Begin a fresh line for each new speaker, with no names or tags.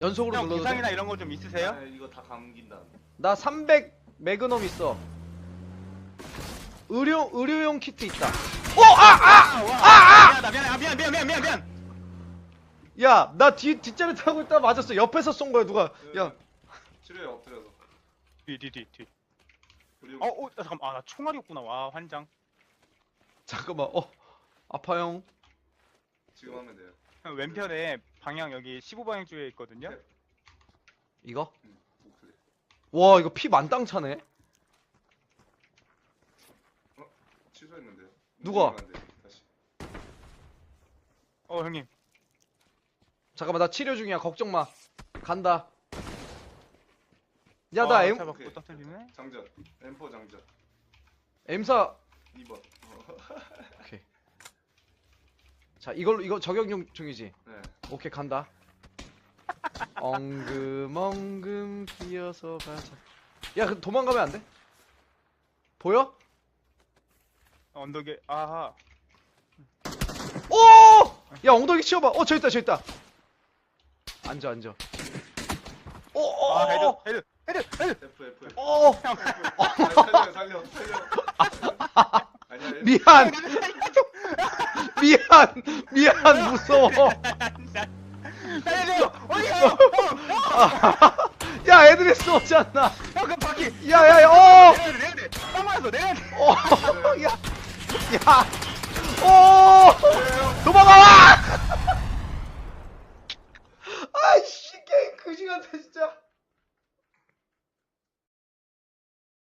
연속으로
형
눌러도
구상이나
돼?
이런 거 좀 있으세요?
아, 이거 다 감긴다.
나 300 매그넘 있어. 의료용 키트 있다.
미안.
야, 나 뒷자리 타고 있다 맞았어. 옆에서 쏜 거야 누가. 야,
치료에 엎드려서.
뒤.
우리
잠깐만. 아, 나 총알이 없구나. 와, 환장.
잠깐만. 아파요.
지금 하면 돼요.
형 왼편에 방향 여기 15방향 쪽에 있거든요.
이거?
우클릭.
와, 이거 피 만땅 차네.
취소했는데요.
누가?
움직이면 안 돼, 다시.
형님.
잠깐만, 나 치료 중이야. 걱정 마. 간다. 야, 나 M
잡아
오케이.
터뜨리네.
장전. M4 장전.
M4.
2번.
오케이. 자, 이거 저격용 중이지.
네.
오케이, 간다. 엉금 기어서 가자. 야, 그 도망가면 안 돼? 보여?
언덕에 아하.
오! 야, 엉덩이 치워봐. 저기 있다. 앉아.
헤드.
F.
오!
살려. 아니야.
미안, 무서워.
살려줘. 어디가?
야, 애들이 쏘잖아.
형, 그 바퀴.
야,
내려야 돼. 딱 맞았어. 내려야 돼.
야, 도망가!